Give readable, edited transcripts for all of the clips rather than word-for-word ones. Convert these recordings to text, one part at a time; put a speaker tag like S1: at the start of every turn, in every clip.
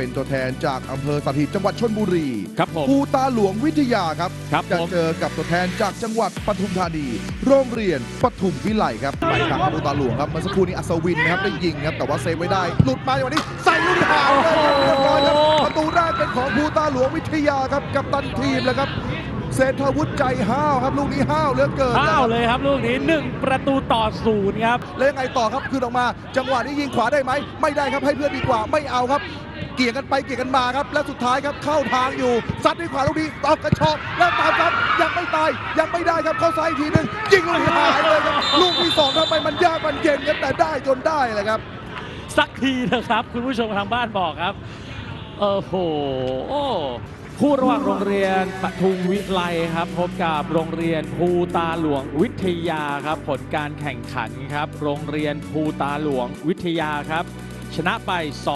S1: เป็นตัวแทนจากอำเภอสถิตจังหวัดชลบุรี
S2: ครับผม
S1: ภูตาหลวงวิทยาครับ จะ
S2: ผม
S1: เจอกับตัวแทนจากจังหวัดปทุมธานีโรงเรียนปทุมวิไลครับไปทางภูตาหลวงครับเมื่อสักครู่นี้อัศวินนะครับได้ยิงครับแต่ว่าเซฟไว้ได้หลุดมาอย่างนี้ใส่ลูกที่หางเลยครับเรียบร้อยครับประตูแรกเป็นของภูตาหลวงวิทยาครับกัปตันทีมแล้วครับเศรษฐวุฒิใจห้าวครับลูกนี้ห้าวเหลือเกิน
S2: ห้าวเลยครับลูกนี้1-0ครับ
S1: แล้วยังไงต่อครับคืนออกมาจังหวะนี้ยิงขวาได้ไหมไม่ได้ครับให้เพื่อนดีกว่าไม่เอาครับเกี่ยงกันไปเกี่ยงกันมาครับและสุดท้ายครับเข้าทางอยู่ซัดด้วยขวาลูกนี้ออกกระชอกแล้วตามครับยังไม่ตายยังไม่ได้ครับเข้าซ้ายอีกทีหนึงยิงลูกนี้หายเลยครับลูกที่สองทำไมมันยากมันเย็นกันแต่ได้จนได้เลยครับ
S2: สักทีนะครับคุณผู้ชมทางบ้านบอกครับโอ้โหคู่ระหว่างโรงเรียนปทุมวิไลครับพบกับโรงเรียนภูตาหลวงวิทยาครับผลการแข่งขันครับโรงเรียนภูตาหลวงวิทยาครับชนะไป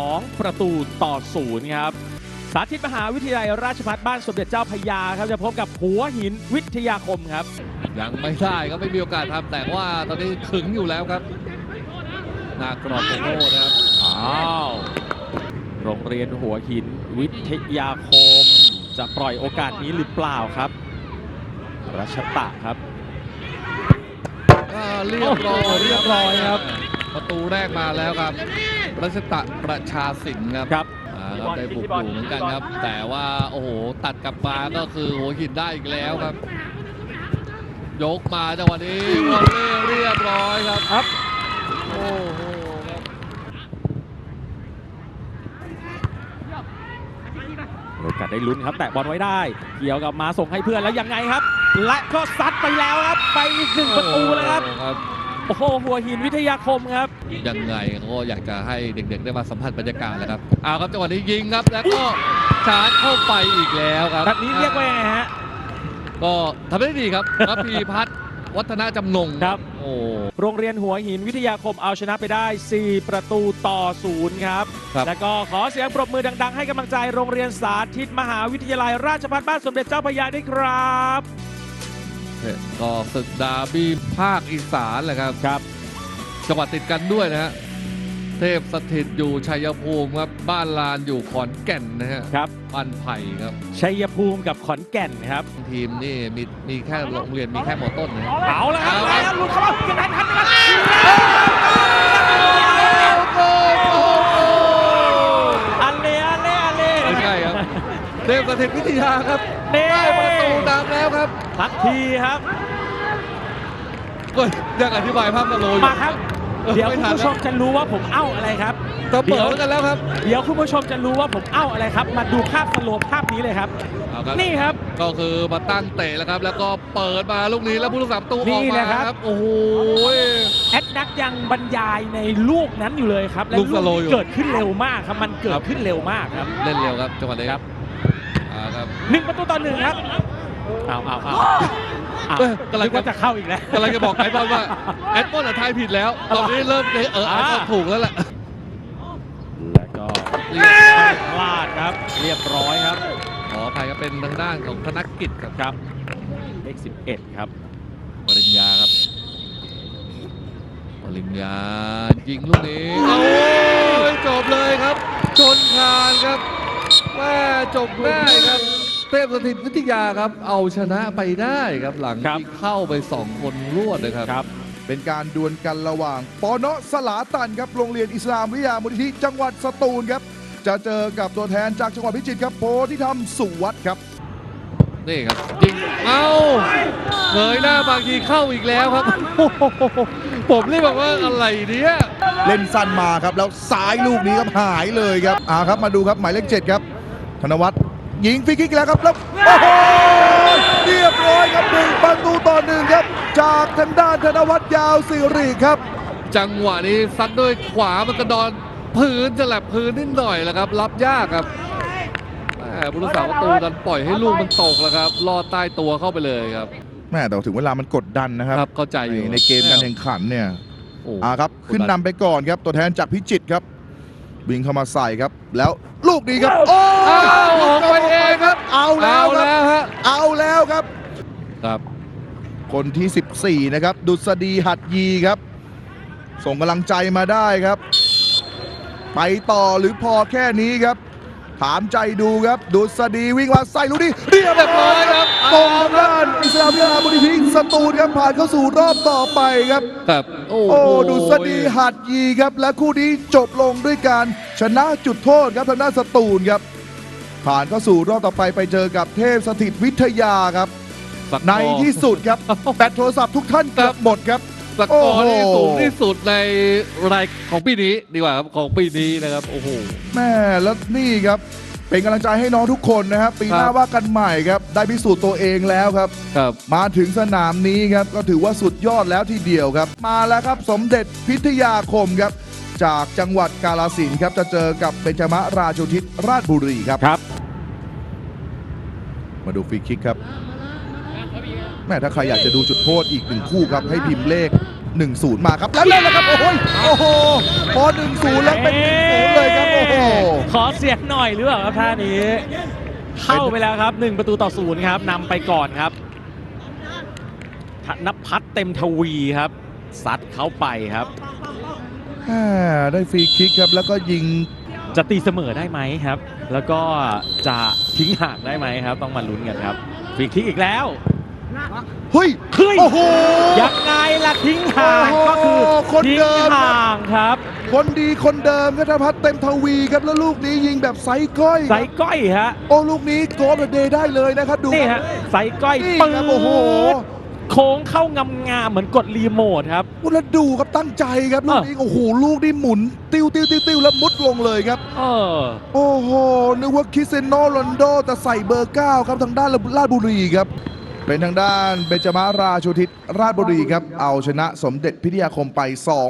S2: 2-0ครับสาธิตมหาวิทยาลัยราชภัฏบ้านสมเด็จเจ้าพระยาครับจะพบกับหัวหินวิทยาคมครับ
S3: ยังไม่ได้ครับไม่มีโอกาสทำแต่ว่าตอนนี้ขึงอยู่แล้วครับหน้ากรอบโคโน่นะครับ
S2: โรงเรียนหัวหินวิทยาคมจะปล่อยโอกาสนี้หรือเปล่าครับรัชตะครับ
S3: เรียบร้อยครับประตูแรกมาแล้วครับรัชตะประชาสินครับได้บุกอยู่เหมือนกันครับแต่ว่าโอ้โหตัดกลับมาก็คือหัวหินได้อีกแล้วครับ ยกมาจังหวะนี้วอลเลย์เรียบร้อยครับโอ้โห
S2: โอกาสได้ลุ้นครับแตะบอลไว้ได้เกี่ยวกับมาส่งให้เพื่อนแล้วยังไงครับและก็ซัดไปแล้วครับไปอีก1 ประตูแล้วครับโอ้โหหัวหินวิทยาคมครับ
S3: ยังไงก็อยากจะให้เด็กๆได้มาสัมผัสบรรยากาศแล้วครับครับจังหวะนี้ยิงครับแล้วก็ชาร์จเข้าไปอีกแล้วครับ
S2: แบบนี้เรียกว่ายังไงฮะ
S3: ก็ทำได้ดีครับระพีพัฒน์วัฒนาจำนง
S2: ครับโรงเรียนหัวหินวิทยาคมเอาชนะไปได้4-0ครับแล้วก็ขอเสียงปรบมือดังๆให้กำลังใจโรงเรียนสาธิตมหาวิทยาลัยราชภัฏบ้านสมเด็จเจ้าพระยาด้วยครับ
S3: ก็ศึกดาร์บี้ภาคอีสานแหละครับจังหวัดติดกันด้วยนะฮะเทพสถิตอยู่ชัยภูมิครับบ้านลานอยู่ขอนแก่นนะฮะ
S2: ครับ
S3: บ้านไผ่ครับ
S2: ชัยภูมิกับขอนแก่นครับ
S3: ทีมนี่มีแค่โรงเรียนมีแค่มอต้นนะ
S2: เอาละครับแล้วหลุดเข้ามายังไงทันอันเล่
S3: ไม่ใช่ครับเทพสถิตวิทยาครับได้ประตูตามแล้วครับ
S2: ทักทีครับ
S3: ก็ยังอธิบายภาพสโลว์
S2: มาครับเดี๋ยวคุณผู้ชมจะรู้ว่าผมเอ้าอะไรครับ
S3: เปิดกันแล้วครับ
S2: เดี๋ยวคุณผู้ชมจะรู้ว่าผมเอ้าอะไรครับมาดูภาพสโลว์ภาพนี้เลยครับนี่ครับ
S3: ก็คือมาตั้งเตะแล้วครับแล้วก็เปิดมาลูกนี้แล้วผู้รักษาประตูออกมาครับโอ้โห
S2: แอดนักยังบรรยายในลูกนั้นอยู่เลยครับและลูกเกิดขึ้นเร็วมากครับมันเกิดขึ้นเร็วมากครับ
S3: เล่นเร็วครับจังหวะนี้ครับ
S2: 1-1ครับเอากำลังจะเข้าอีกแล้ว
S3: กำลังจะบอกไอ้บอลว่าแอดบอลทายผิดแล้วตอนนี้เริ่มไอ้บอลถูกแล้วแหละ
S2: แล้วก็พลาดครับเรียบร้อยครับ
S3: ขออภัยครับเป็นทางด้านของธนกิจ
S2: ครับเลข11ครับ
S3: ปริญญาครับปริญญายิงลูกนี้โอ้ยจบเลยครับชนคานครับแม่จบได้ครับเทพสถิตวิทยาครับเอาชนะไปได้ครับหลังที่เข้าไป2 คนรวดนะครับ
S1: เป็นการดวลกันระหว่างปนสลาตันครับโรงเรียนอิสลามวิทยามูลนิธิจังหวัดสตูลครับจะเจอกับตัวแทนจากจังหวัดพิจิตรครับโพธิธรรมสุวัฒน์ครับ
S3: นี่ครับยิงเงยหน้าบางทีเข้าอีกแล้วครับผมเรียกว่าอะไรเนี่ย
S1: เล่นสั้นมาครับแล้วซ้ายลูกนี้ครับหายเลยครับครับมาดูครับหมายเลข7ครับธนวัฒน์ยิงฟรีคิกแล้วครับแล้วโอ้โหเรียบร้อยครับ1-1ครับจากทางด้านธนวัฒน์ยาวสิริครับ
S3: จังหวะนี้ซัดด้วยขวามันกระดอนพื้นจะแหลบพื้นนิดหน่อยแล้วครับรับยากครับผู้รักษาประตูดันปล่อยให้ลูกมันตกแล้วครับลอดใต้ตัวเข้าไปเลยครับ
S1: แม่แต่ถึงเวลามันกดดันนะครับ
S3: เข้าใจอยู่
S1: ในเกมการแข่งขันเนี่ยครับขึ้นนำไปก่อนครับตัวแทนจากพิจิตรครับวิ่งเข้ามาใส่ครับแล้วลูกนี้ครับ
S3: ออกไปเองครับ
S1: เอาแล้วครับคนที่14นะครับดุษฎีหัดยีครับส่งกำลังใจมาได้ครับไปต่อหรือพอแค่นี้ครับถามใจดูครับดุษฎีวิ่งมาใส่ลูกนี้เรียบร้อยครับตรงทางด้านอิสลามวิทยาบุรีพิสตูลครับผ่านเข้าสู่รอบต่อไปครับ
S3: ครับโอ้
S1: โอ้ดุษฎีหัดยีครับและคู่นี้จบลงด้วยการชนะจุดโทษครับทางด้านสตูลครับผ่านเข้าสู่รอบต่อไปไปเจอกับเทพสถิตวิทยาครับ
S3: สกอร์
S1: ในที่สุดครับแบตโทรศัพท์ทุกท่านเกือบหมดครับ
S3: สกอร์นี่
S1: โอ้โห
S3: สูงที่สุดในรายของปีนี้ดีกว่าครับของปีนี้นะครับโอ้โห
S1: แม่แล้วนี่ครับเป็นกำลังใจให้น้องทุกคนนะครับปีหน้า
S3: ครับ
S1: ว่ากันใหม่ครับได้พิสูจน์ตัวเองแล้วครับ
S3: ครับ
S1: มาถึงสนามนี้ครับก็ถือว่าสุดยอดแล้วทีเดียวครับ มาแล้วครับสมเด็จพิทยาคมครับจากจังหวัดกาฬสินธุ์ครับจะเจอกับเบญจมราชูทิศราชบุรีครับ
S2: ครับ
S1: มาดูฟรีคิกครับแม่ถ้าใครอยากจะดูจุดโทษอีกหนึ่งคู่ครับให้พิมพ์เลข 10 มาครับแล้วเล่นแล้วครับโอ้โหพอ 10 แล้วเป็น 10 เลยครับโอ้โห
S2: ขอเสียงหน่อยหรือเปล่าครับท่านี้ เข้าไปแล้วครับ 1-0ครับนำไปก่อนครับธนพัฒน์เต็มทวีครับซัดเข้าไปครับ
S1: ได้ฟรีคิกครับแล้วก็ยิง
S2: จะตีเสมอได้ไหมครับ แล้วก็จะทิ้งห่างได้ไหมครับ ต้องมาลุ้นกันครับฟรีคิกอีกแล้ว
S1: เฮ้ย
S2: เฮ้ย
S1: โอ้โห
S2: ยังไงล่ะทิ้งห่าง
S1: โอ้โห
S2: ก็คือ
S1: คน
S2: ทิ้ง
S1: เดิม
S2: ห่างครับ
S1: คนดีคนเดิมครับธนพัฒน์เต็มทวีครับแล้วลูกนี้ยิงแบบไซส์ก้อยค
S2: ใส่
S1: รับ
S2: ก้อยฮะ
S1: โอ้ลูกนี้โกลเดย์ได้เลยนะครับดู
S2: นี่ฮะใส่ก้อย
S1: นี่
S2: ปื
S1: ครับโอ้โห
S2: โค้งเข้างามๆเหมือนกดรีโมทครับ
S1: แล้วดูครับตั้งใจครับลูกนี้โอ้โหลูกนี้หมุนติ้วแล้วมุดลงเลยครับ
S2: เออ
S1: โอ้โหนึกว่าคริสเตียโนโรนัลโดแต่ใส่เบอร์ 9 ครับทางด้านราชบุรีครับเป็นทางด้านเบญจมราชูทิศราชบุรีครับเอาชนะสมเด็จพิทยาคมไป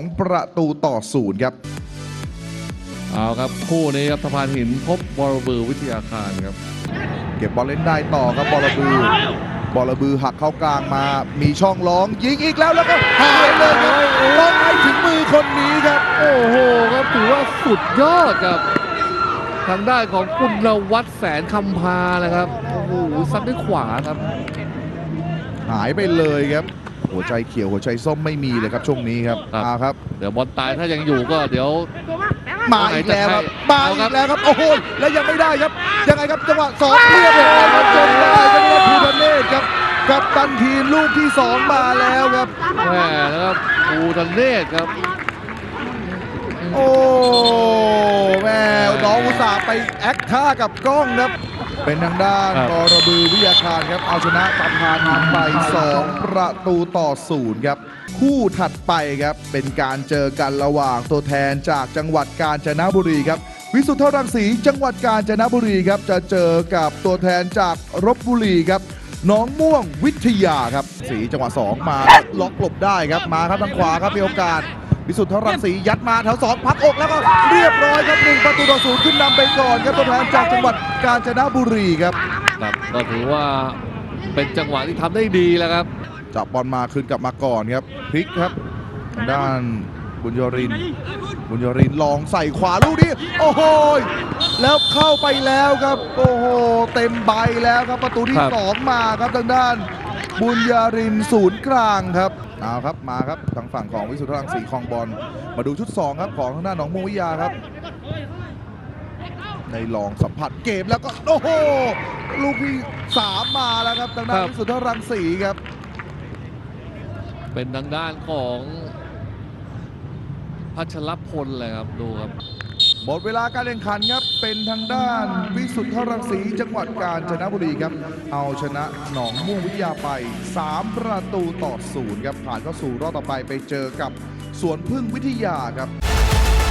S1: 2-0 ครับ
S3: เอาครับคู่นี้ครับสะพานหินพบวรบือวิทยาคารครับ
S1: เก็บบอลเล่นได้ต่อครับบอลบือหักเข้ากลางมามีช่องร้องยิงอีกแล้วแล้วก็หายเลยครับต้องให้ถึงมือคนนี้ครับ
S3: โอ้โหครับถือว่าสุดยอดครับทางด้านของกุลวัฒน์แสนคำพานะครับโอ้โหซัดด้วยขวาครับ
S1: หายไปเลยครับ หัวใจเขียวหัวใจส้มไม่มีเลยครับช่วงนี้ครับ
S3: ครับ
S1: มาครับ
S3: เดี๋ยวบอลตายถ้ายังอยู่ก็เดี๋ยว
S1: มาอีกแล้วครับมา
S3: เอา
S1: อี
S3: ครับ
S1: กแล้วครับโอ้โหแล้วยังไม่ได้ครับยังไงครับจังหวะ2เรียบร้อยครับจนได้จังหวะภูทะเนศครับกับตันทีมลูกที่ 2 มาแล้วครับ
S3: แม่นะครับภูทะเนศครับ
S1: โอ้แม่น้องอุตส่าห์ไปแอคท่ากับกล้องครับ เป็นทางด้าน
S3: ครับ
S1: กรบือวิทยาคารครับเอาชนะสะพานหินไป2-0 ครับ คู่ถัดไปครับเป็นการเจอกันระหว่างตัวแทนจากจังหวัดกาญจนบุรีครับ วิสุทธรังสีจังหวัดกาญจนบุรีครับจะเจอกับตัวแทนจากลพบุรีครับหน้องม่วงวิทยาครับสีจังหวะ2มาล็อกหลบได้ครับมาครับทางขวาครับมีโอกาส วิสุทธรังสียัดมาแถว2พักอกแล้วก็เรียบร้อยครับ1-0ขึ้นนำไปก่อนครับตัวแทนจากจังหวัดกาญจนบุรีครับ
S3: ครับก็ถือว่าเป็นจังหวะที่ทำได้ดีแล้วครับ
S1: จับบอลมาคืนกลับมาก่อนครับพลิกครับทางด้านบุญยรินทร์ลองใส่ขวาลูกนี้โอ้โหแล้วเข้าไปแล้วครับโอ้โหเต็มใบแล้วครับประตูที่
S3: ครับ
S1: 2 มาครับทางด้านบุญยรินทร์ศูนย์กลางครับเอาครับมาครับทางฝั่งของวิสุทธรังสีครองบอลมาดูชุด 2 ครับของทางด้านหนองม่วงวิทยาครับในลองสัมผัสเกมแล้วก็โอ้โหลูกที่3มาแล้วครับทางด้านวิสุทธรังสีครับ
S3: เป็นทางด้านของพัชรพลเลยครับดูครับ
S1: หมดเวลาการแข่งขันครับเป็นทางด้านวิสุทธรังสีจังหวัดกาญจนบุรีครับเอาชนะหนองม่วงวิทยาไป3-0 ครับผ่านเข้าสู่รอบต่อไปไปเจอกับสวนพึ่งวิทยาครับ